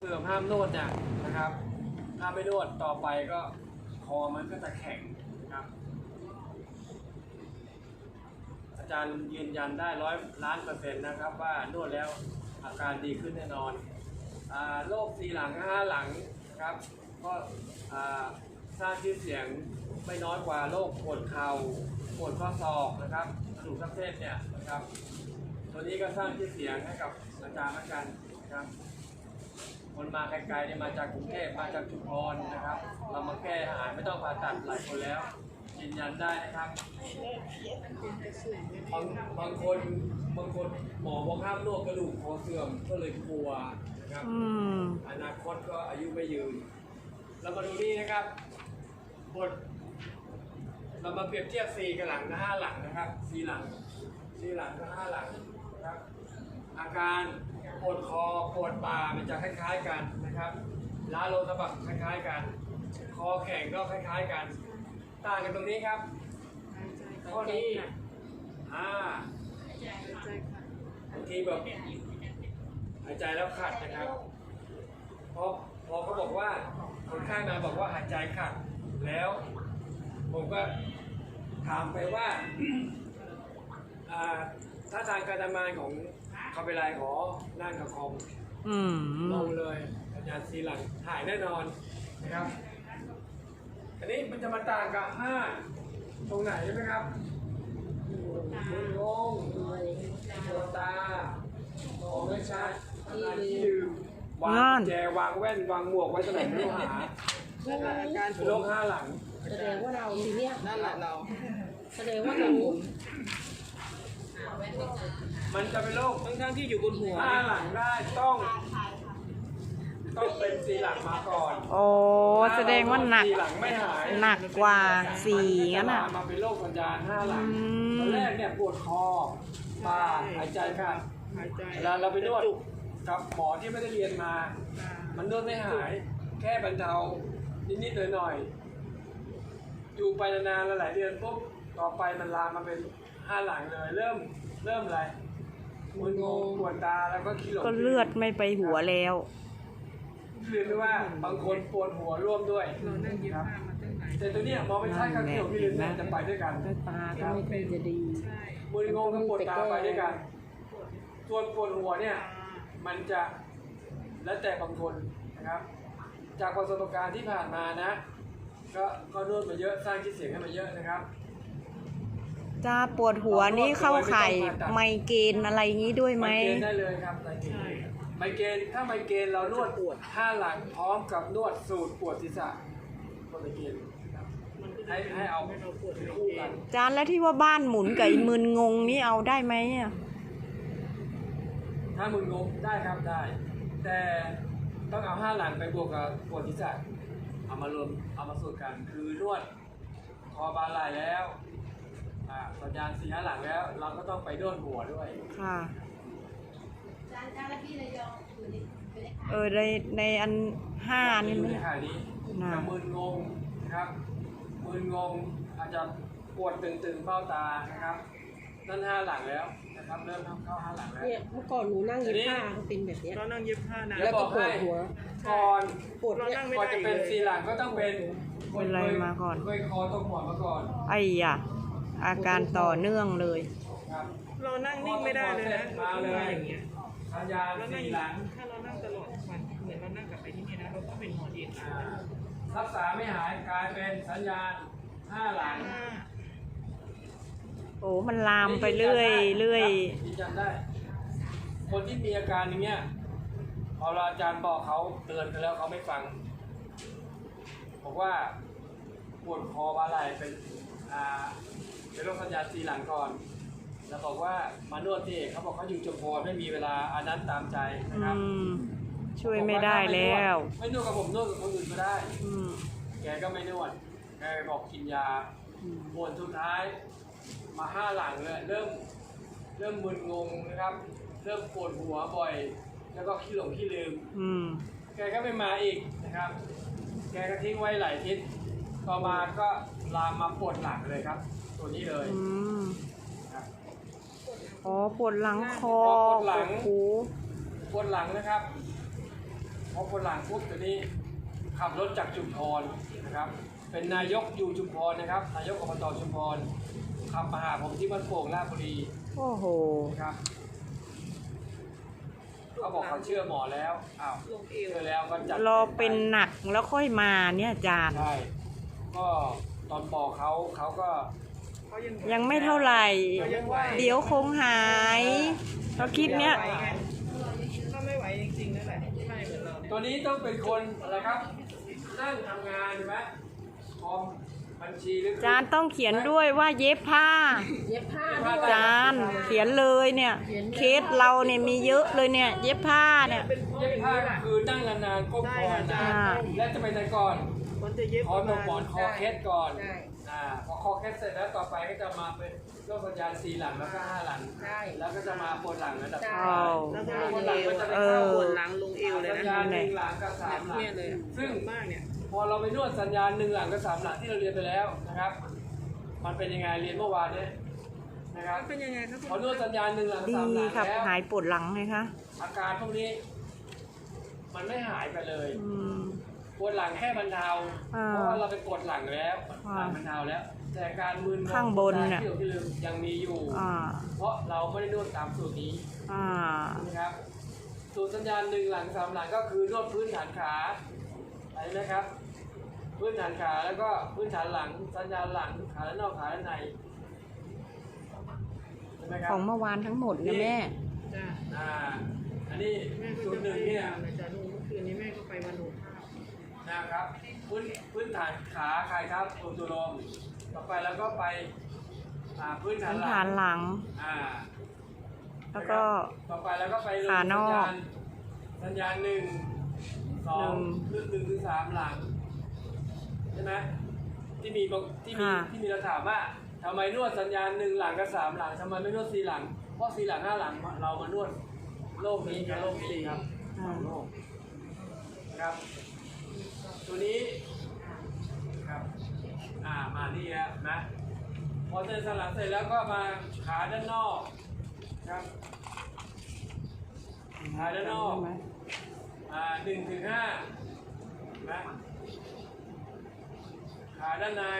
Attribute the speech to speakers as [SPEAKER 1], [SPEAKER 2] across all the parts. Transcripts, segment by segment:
[SPEAKER 1] สื่อมห้ามนวดเนี่ยนะครับถ้าไม่นวดต่อไปก็คอมันก็จะแข็งนะครับอาจารย์ยืนยันได้100%นะครับว่านวดแล้วอาการดีขึ้นแน่นอนโรค4 หลัง 5 หลังนะครับก็สร้างชื่อเสียงไม่น้อยกว่าโรคปวดเข่าปวดข้อศอกนะครับกระดูกทับเส้นเนี่ยนะครับตัวนี้ก็สร้างชื่อเสียงให้กับอาจารย์เหมือนกันนะครับคนมาไกลๆเนี่ยมาจากกรุงเทพมาจากชุมพรนะครับเรามาแก้หายไม่ต้องผ่าตัดหลายคนแล้วยืนยันได้นะครับบางคนหมอบอกห้ามนวดกระดูกคอเสื่อมก็เลยกลัวนะครับอนาคตก็อายุไม่ยืนเรามาดูนี่นะครับบทเรามาเปรียบเทียบ4กับหลังกับ5 หลังนะครับ4 หลังกับ5 หลังนะครับอาการปวดคอปวดบ่ามันจะคล้ายๆกันนะครับล้าโลสะบักคล้ายๆกันคอแข็งก็คล้ายๆกันต่างกันตรงนี้ครับข้อนี้บางทีแบบหายใจแล้วขัดนะครับพอเขาบอกว่าคนไข้มาบอกว่าหายใจขัดแล้วผมก็ถามไปว่าถ้าทางการทำงานของเขาเป็นไรขอนั่งกับคอมลงเลยอาจารย์4 หลังหายแน่นอนนะครับอันนี้มันจะมาต่างกับ5ตรงไหนใช่ไหมครับงงปวดตามองไม่ชัดที่ลืมวางแจวางแว่นวางหมวกไว้ตรงไหนไม่รู้หาอาการโรค5 หลัง
[SPEAKER 2] แสดงว่าเราทีเนี้ย
[SPEAKER 3] นั่นแหละเรา
[SPEAKER 2] แสดงว่าเรา
[SPEAKER 1] มันจะเป็นโรค
[SPEAKER 3] ทั้งที่อยู่บนหัว
[SPEAKER 1] 5 หลังได้ต้องเป็น4 หลังมาก่อน
[SPEAKER 4] โอ้แสดงว่าหนัก
[SPEAKER 1] 4 หลังไม่หาย
[SPEAKER 4] หนักกว่า4งั้นอ่ะ
[SPEAKER 1] มาเป็นโรคสัญญาณ5 หลังตอนแรกเนี่ยปวดคอบ่าหายใจค่ะเวลาเราไปนวดกับหมอที่ไม่ได้เรียนมามันนวดไม่หายแค่บรรเทานิดๆหน่อยๆอยู่ไปนานๆหลายเดือนปุ๊บต่อไปมันลามมาเป็น5 หลังเลยเริ่มอะไรมึนงงปวดตาแล้วก็ขี้หลง
[SPEAKER 4] ก็เลือดไม่ไปหัวแล้ว
[SPEAKER 1] คือไม่ว่าบางคนปวดหัวร่วมด้วยครับแต่ตัวนี้มองไม่ใช่ครับขี้หลงขี้ลืมจะไปด้วยกัน
[SPEAKER 2] ตาก็ไม่เป็นจะดี
[SPEAKER 1] มึนงงกับปวดตาไปด้วยกันส่วนปวดหัวเนี่ยมันจะแล้วแต่บางคนนะครับจากประสบการณ์ที่ผ่านมานะก็นวดมาเยอะสร้างชื่อเสียงให้มาเยอะนะครับ
[SPEAKER 4] จะปวดหัวนี่เข้าไข่ไมเกรนอะไรงี้ด้วยไหม
[SPEAKER 1] ไมเกรนได้เลยครับไมเกรนถ้าไมเกรนเรานวด5 หลังพร้อมกับนวดสูตรปวดศีรษะก็ไมเกรนให้เอาคู่กัน
[SPEAKER 4] จานแล้วที่ว่าบ้านหมุนกับมึนงงนี่เอาได้ไหม
[SPEAKER 1] ถ้ามึนงงได้ครับได้แต่ต้องเอา5 หลังไปบวกกับปวดศีรษะเอามารวมเอามาสูตรกันคือนวดคอบาไหล่แล้วสัญญาณ4 5 หลังแล้วเราก็ต้องไปนวดหัวด้วย
[SPEAKER 4] ค่ะในอัน5นี่
[SPEAKER 1] ไม่ขายนี้มึนงงนะครับมึนงงอาจจะปวดตึงๆเบ้าตานะครับนั่น5 หลังแล้วนะครับเริ่มเข้า5 หลังแล้ว
[SPEAKER 2] เนี่ยเมื่อก่อนหนูนั่งเย็บผ้าก็เป็นแบบนี้
[SPEAKER 3] เรานั่งเย็บผ้านะ
[SPEAKER 2] แล้วก็ปวดหัว
[SPEAKER 1] ก่อน
[SPEAKER 2] ปวดเนี่ย
[SPEAKER 1] ก่อนจะเป็น4 หลังก็ต้องเป็น
[SPEAKER 4] อะไรมาก่อน
[SPEAKER 1] เคยคอตรงหัวมาก่อน
[SPEAKER 4] ไอ้ยะอาการต่อเนื่องเลย
[SPEAKER 3] เรานั่งนิ่งไม่ได้เลยนะ
[SPEAKER 1] มาเลยอย่างเงี้ยสัญญาณ4 หลัง
[SPEAKER 3] ถ้าเรานั่งตลอดวันเหมือนเรานั่งกลับไปที่นี่นะเราต้องเป็นหัวเอ็น
[SPEAKER 1] รักษาไม่หายกลายเป็นสัญญาณ5 หลัง
[SPEAKER 4] โอ้มันลามไปเรื่อย
[SPEAKER 1] จำได้คนที่มีอาการอย่างเงี้ยพออาจารย์บอกเขาเตือนกันแล้วเขาไม่ฟังบอกว่าปวดคอบ่าไหล่เป็นโรคสัญญาณ4 หลังก่อนแล้วบอกว่ามานวดที่เขาบอกเขาอยู่จุฬาไม่มีเวลาอันนั้นตามใจนะครับ
[SPEAKER 4] ช่วยไม่ได้แล้ว
[SPEAKER 1] ไม่นวดกับผมนวดกับคนอื่นก็ได้แกก็ไม่นวดแกบอกกินยาปวดสุดท้ายมา5 หลังเลยเริ่มมึนงงนะครับเริ่มปวดหัวบ่อยแล้วก็ขี้หลงขี้ลืมแกก็ไม่มาอีกนะครับแกก็ทิ้งไว้หลายทิศต่อมาก็ลามมาปวดหลังเลยครับตัวนี้เลย
[SPEAKER 4] อ๋อปวดหลังคอ
[SPEAKER 1] ปวดหลังหูปวดหลังนะครับคออปวดหลังปุ๊บตัวนี้ขับรถจากชุมพรนะครับ เป็นนายกอยู่ชุมพรนะครับ นายกอบตชุมพรขับมาหาผมที่บ้านโป่งราชบุรี
[SPEAKER 4] โอ้โห
[SPEAKER 1] นะครับเขาบอกเขาเชื่อหมอแล้วอ้าว
[SPEAKER 3] ลงเอว
[SPEAKER 1] เชื่อแล้วก็จัด
[SPEAKER 4] รอเป็นหนักแล้วค่อยมาเนี่ยอาจารย์
[SPEAKER 1] ใช่ก็ตอนบอกเขาก็
[SPEAKER 3] เขายัง
[SPEAKER 4] ยังไม่เท่าไหร่
[SPEAKER 3] เขายังไหว
[SPEAKER 4] เดี๋ยวคงหายเราคิดเนี้ย
[SPEAKER 3] ไหวไงถ้าไม่ไหวจริงๆนั่นแหละใช่เหมือนเราเนี่ย
[SPEAKER 1] ตัวนี้ต้องเป็นคนอะไรครับ นั่งทำงานใช่ไหมคอมบัญชีหรือ
[SPEAKER 4] อาจารย์ต้องเขียนด้วยว่าเย็บผ้า
[SPEAKER 2] เย็บผ้า
[SPEAKER 4] อาจารย์เขียนเลยเนี่ย เคสเราเนี่ยมีเยอะเลยเนี่ย เย็บผ้าเนี่ย
[SPEAKER 3] เป็นเพราะ
[SPEAKER 1] เย็
[SPEAKER 3] อบ ย่าง
[SPEAKER 1] ผ้า
[SPEAKER 3] นี้แหละ
[SPEAKER 1] คือนั่งนานๆก้มคอนาน
[SPEAKER 4] อ่า
[SPEAKER 1] และจะไปไหนก่อน
[SPEAKER 3] มันจะเย็บ
[SPEAKER 1] คอ
[SPEAKER 3] ประ
[SPEAKER 1] ต
[SPEAKER 3] มาก
[SPEAKER 1] หมอน
[SPEAKER 3] ณ
[SPEAKER 1] คอเคสก่อน
[SPEAKER 2] ใช่
[SPEAKER 1] พอคอเคสเสร็จแล้วต่อไปก็จะมาเป็นโรคสัญญาณ4หลังแล้วก็5หลัง
[SPEAKER 2] ใช่
[SPEAKER 1] แล้วก็จะมาปวดหลังระดับ
[SPEAKER 2] ใช่
[SPEAKER 1] ท้าย
[SPEAKER 3] แล้วก็ลง
[SPEAKER 1] ปวดห
[SPEAKER 3] เอ
[SPEAKER 1] ลัง
[SPEAKER 3] ว
[SPEAKER 1] ก็จะไป
[SPEAKER 4] เอ
[SPEAKER 1] เข้า
[SPEAKER 4] อ
[SPEAKER 3] ปวดหลังลงเอวเลย
[SPEAKER 1] สัญ
[SPEAKER 3] นะ
[SPEAKER 1] ญาณ1หลังกับ3หลัง
[SPEAKER 3] เนี่ยเลย
[SPEAKER 1] ซึ่ง
[SPEAKER 3] มากเนี่ย
[SPEAKER 1] พอเราไปนวดสัญญาณ1หลังกับ3หลังที่เราเรียนไปแล้วนะครับ มันเป็นยังไงเรียนเมื่อวานเนี่ยนะครับ
[SPEAKER 3] เป็นยังไงครับ
[SPEAKER 1] พอนวดสัญญาณ1หลัง
[SPEAKER 4] ดี
[SPEAKER 1] 3หลัง
[SPEAKER 4] ครับ
[SPEAKER 1] แล้ว
[SPEAKER 4] หายปวดหลังไงคะ
[SPEAKER 1] อาการพวกนี้ มันไม่หายไปเลย
[SPEAKER 4] อืม
[SPEAKER 1] ปวดหลังแค่บรรเทา
[SPEAKER 4] อ่า
[SPEAKER 1] เพราะว่าเราไปกดหลังแล้ว
[SPEAKER 4] อ่า
[SPEAKER 1] หลังบรรเทาแล้ว แต่การมึน
[SPEAKER 4] ข้างบนน่ะ
[SPEAKER 1] ที่เราที่ลืมยังมีอยู่
[SPEAKER 4] อ่า
[SPEAKER 1] เพราะเราไม่ได้นวดตามสูตรนี้
[SPEAKER 4] อ่า
[SPEAKER 1] นะครับสูตรสัญญาณ1หลัง3หลังก็คือนวดพื้นฐานขาอะไรนะครับ พื้นฐานขาแล้วก็พื้นฐานหลังสัญญาณหลังขาด้านนอกขาด้านในใช่ไหมครั
[SPEAKER 4] ของเมื่อวานทั้งหมดนะแม่
[SPEAKER 3] จ้า
[SPEAKER 1] อ่าอันนี้
[SPEAKER 3] แม่ก็
[SPEAKER 1] สูต
[SPEAKER 3] จะ
[SPEAKER 1] รหนึ่งเนี่ย
[SPEAKER 3] นะจ๊ะดูเมื่อคืนนี้แม่ก็ไปวันหนูภาพ
[SPEAKER 1] นะครับพื้นฐานขาใครครับตัวลมต่อไปแล้วก็ไปพื้นฐาน
[SPEAKER 4] พื้น
[SPEAKER 1] หลั
[SPEAKER 4] ฐาง นหลัง
[SPEAKER 1] อ่า
[SPEAKER 4] แล้วก็
[SPEAKER 1] ต่อไปแล้วก็ไปลง
[SPEAKER 4] ขานอก
[SPEAKER 1] สัญญาณ1 2หรือ1ถึง3หลังใช่ไหมที่มีที่มีเราถามว่าทำไมนวดสัญญาณ1หลังกับ3หลังทำไมไม่นวด4หลังเพราะ4หลัง5หลังเรามานวดโรคนี้กับโรคนี้ครับสองโรคนะครับตัวนี้ครับมานี่แล้วนะพอเดินสลับเสร็จแล้วก็มาขาด้านนอกครับขาด้านนอก1ถึง5นะขาด้านใน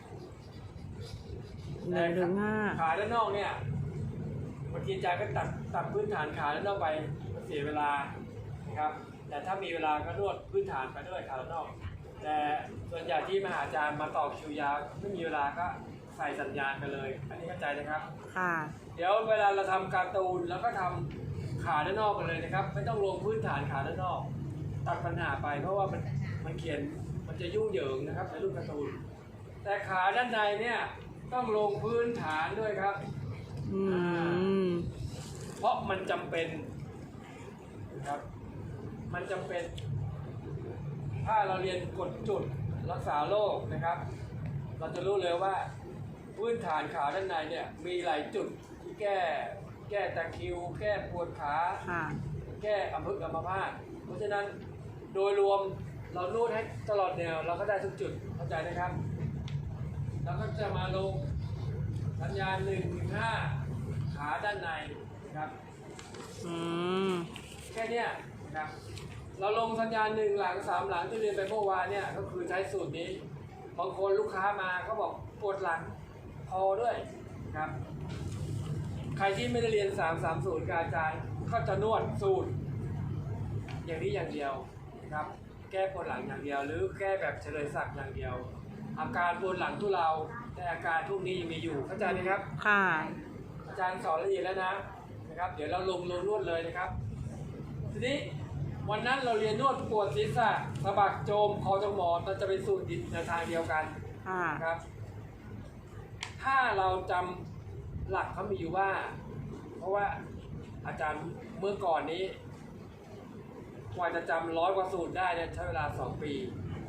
[SPEAKER 4] 1-5
[SPEAKER 1] ขาด้านนอกเนี่ยบางทีอาจารย์ก็ตัดพื้นฐานขาด้านนอกไปมันเสียเวลานะครับแต่ถ้ามีเวลาก็นวดพื้นฐานไปด้วยขาด้านนอก แต่ส่วนใหญ่ที่มาหาอาจารย์มาต่อคิวยาวไม่มีเวลาก็ใส่สัญญาณไปเลย อันนี้เข้าใจนะครับ
[SPEAKER 4] ค่ะ
[SPEAKER 1] เดี๋ยวเวลาเราทำการ์ตูนแล้วก็ทำขาด้านนอกกันเลยนะครับ ไม่ต้องลงพื้นฐานขาด้านนอก ตัดปัญหาไปเพราะว่ามันเขียนมันจะยุ่งเหยิงนะครับในรูปการ์ตูน แต่ขาด้านในเนี่ยต้องลงพื้นฐานด้วยครับ
[SPEAKER 4] อืม
[SPEAKER 1] เพราะมันจำเป็นนะครับ มันจำเป็น ถ้าเราเรียนกฎจุดรักษาโรคนะครับ เราจะรู้เลยว่าพื้นฐานขาด้านในเนี่ยมีหลายจุดที่แก้ตะคริว แก้ปวดขา
[SPEAKER 4] ค่ะ
[SPEAKER 1] แก้อัมพฤกษ์อัมพาตเพราะฉะนั้นโดยรวมเรานวดให้ตลอดแนวเราก็ได้ทุกจุดเข้าใจนะครับแล้วก็จะมาลงสัญญาณ1 ถึง 5ขาด้านในนะครับ
[SPEAKER 4] อืม
[SPEAKER 1] แค่เนี้ยนะครับเราลงสัญญาณ1หลัง3หลังที่เรียนไปเมื่อวานเนี่ยก็คือใช้สูตรนี้บางคนลูกค้ามาเขาบอกปวดหลังคอด้วยนะครับใครที่ไม่ได้เรียน330กับอาจารย์ก็จะนวดสูตรอย่างนี้อย่างเดียวนะครับแก้ปวดหลังอย่างเดียว หรือแก้แบบเฉลยศักดิ์อย่างเดียว อาการปวดหลังทุเลาแต่อาการพวกนี้ยังมีอยู่เข้าใจไหมครับ
[SPEAKER 4] ค่ะ
[SPEAKER 1] อาจารย์สอนละเอียดแล้วนะครับ เดี๋ยวเราลงนวดเลยนะครับ ทีนี้วันนั้นเราเรียนนวดปวดศีรษะสะบักโจมคอจงหมอนมันจะเป็นสูตรในทางเดียวกัน
[SPEAKER 4] ค่ะ
[SPEAKER 1] นะครับ ถ้าเราจำหลักเขามีอยู่ว่า เพราะว่าอาจารย์เมื่อก่อนนี้กว่าจะจำ100 กว่าสูตรได้เนี่ยใช้เวลา2 ปี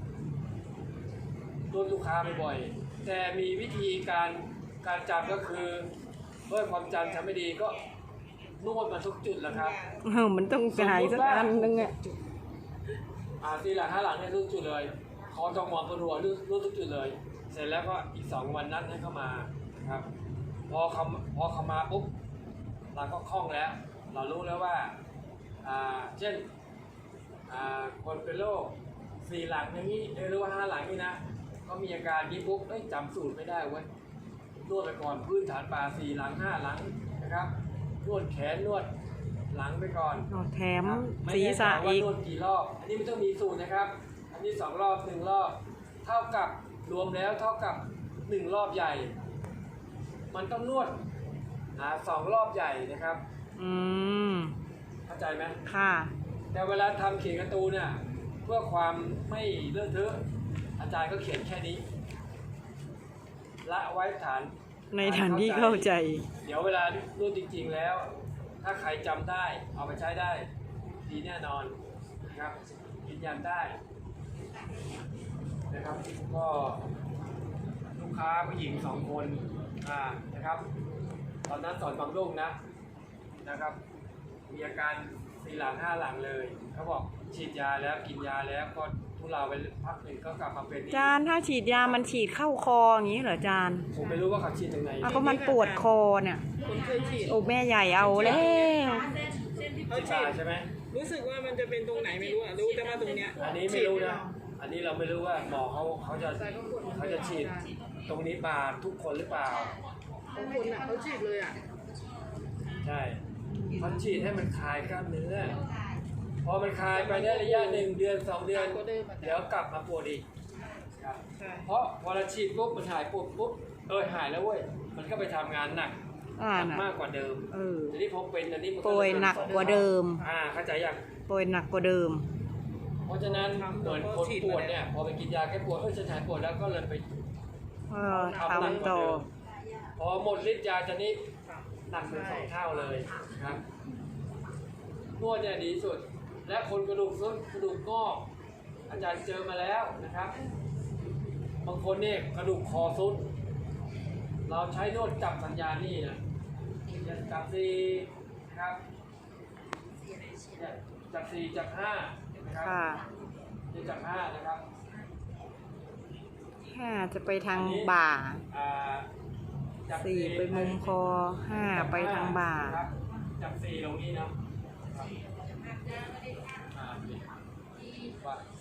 [SPEAKER 1] นวดลูกค้าบ่อยๆแต่มีวิธีการจำก็คือเมื่อความจำไม่ดีก็นวดมาทุกจุดแหละครับ
[SPEAKER 4] มันต้องหายสักอันนึงอ่ะ
[SPEAKER 1] 4 หลัง 5 หลังเนี่ยทุกจุดเลยคอจงหมอนปวดหัวนวดทุกจุดเลย เสร็จแล้วก็อีก2 วันนัดให้เข้ามาครับพอเขามาปุ๊บเราก็คล่องแล้ว เรารู้แล้วว่าเช่นคนเป็นโรค4 หลังอย่างนี้หรือว่า5 หลังนี่นะก็มีอาการนี้ปุ๊บจำสูตรไม่ได้เว้ยนวดไปก่อนพื้นฐานป่า4 หลัง 5 หลังนะครับนวดแขนนวดหลังไปก่อน
[SPEAKER 4] แถม
[SPEAKER 1] ไม่
[SPEAKER 4] ศีร
[SPEAKER 1] แน่ใจ
[SPEAKER 4] ษะ
[SPEAKER 1] ว่า
[SPEAKER 4] อีก
[SPEAKER 1] นวดกี่รอบอันนี้ไม่ต้องมีสูตรนะครับอันนี้2 รอบ1 รอบเท่ากับรวมแล้วเท่ากับ1 รอบใหญ่มันต้องนวด2 รอบใหญ่นะครับ
[SPEAKER 4] อืม
[SPEAKER 1] เข้าใจไหม
[SPEAKER 4] ค่ะ
[SPEAKER 1] แต่เวลาทำเขียนการ์ตูนเนี่ยเพื่อความไม่เลอะเทอะอาจารย์ก็เขียนแค่นี้ละไว้ฐาน
[SPEAKER 4] ในฐานที่เข้าใจ
[SPEAKER 1] เดี๋ยวเวลารู้จริงๆแล้ว ถ้าใครจำได้เอาไปใช้ได้ดีแน่นอนนะครับยืนยันได้นะครับก็ลูกค้าผู้หญิง2 คนนะครับตอนนั้นสอนบางรุ่งนะครับมีอาการ4 หลัง 5 หลังเลยเขาบอกฉีดยาแล้วกินยาแล้วก็ทุเลาไปพักหนึ่งก็กลับมาเป็นอีก
[SPEAKER 4] จานถ้าฉีดยามันฉีดเข้าคออย่างนี้เหรอจาน
[SPEAKER 1] ผมไม่รู้ว่าเขาฉีดยังไง
[SPEAKER 4] ก็มันปวดคอเนี่ย
[SPEAKER 3] คนเคยฉีด
[SPEAKER 4] โอ้แม่ใหญ่เอาแล้ว
[SPEAKER 3] เขา
[SPEAKER 1] ฉีด
[SPEAKER 3] ฉี
[SPEAKER 1] ยา
[SPEAKER 3] ด
[SPEAKER 1] ใช่ไหม
[SPEAKER 3] รู้สึกว่ามันจะเป็นตรงไหนไม่รู้รู้แต่ว่าตรงเนี้ย
[SPEAKER 1] อันนี้ไม่รู้นะอันนี้เราไม่รู้ว่าหมอเขาจะฉีดตรงนี้มาทุกคนหรือเปล่า
[SPEAKER 3] บางคนเขาฉีดเลยอ่ะ
[SPEAKER 1] ใช่เขาฉีดให้มันคลายกล้ามเนื้อพอมันคลายไปได้ระยะ1 เดือน 2 เดือนเดี๋ยวกลับมาปวดอีกครับ
[SPEAKER 3] ใช่
[SPEAKER 1] เพราะพอเราฉีดปุ๊บมันหายปวดปุ๊บหายแล้วเว้ยมันก็ไปทำงานหนัก
[SPEAKER 4] น่ะ
[SPEAKER 1] มากกว่าเดิม ทีนี้พอเป็นอันนี้มัน
[SPEAKER 4] ป่วยหนักกว่าเดิม
[SPEAKER 1] เข้าใจยัง
[SPEAKER 4] ป่วยหนักกว่าเดิม
[SPEAKER 1] เพราะฉะนั้นเหมือนคนปวดเนี่ยพอไปกินยาแก้ปวดฉันหายปวดแล้วก็เลยไป
[SPEAKER 4] ทำต่อ
[SPEAKER 1] พอหมดฤทธิ์ยาจะนี้หนักเป็น2 เท่าเลยครับนวดเนี่ยดีสุดและคนกระดูกซุดกระดูกงอกอาจารย์เจอมาแล้วนะครับบางคนเนี่ยกระดูกคอซุดเราใช้นวดจับสัญญาณนี่นะจับ4นะครับจับ4จับ5นะครับ
[SPEAKER 4] ค่ะ
[SPEAKER 1] จับ5นะครับ
[SPEAKER 4] 5 จะไปทางบ่า
[SPEAKER 1] จับ
[SPEAKER 4] 4 ไปมุมคอ 5 ไปทางบ่า
[SPEAKER 1] ครับจับ4ตรงนี้นะว่า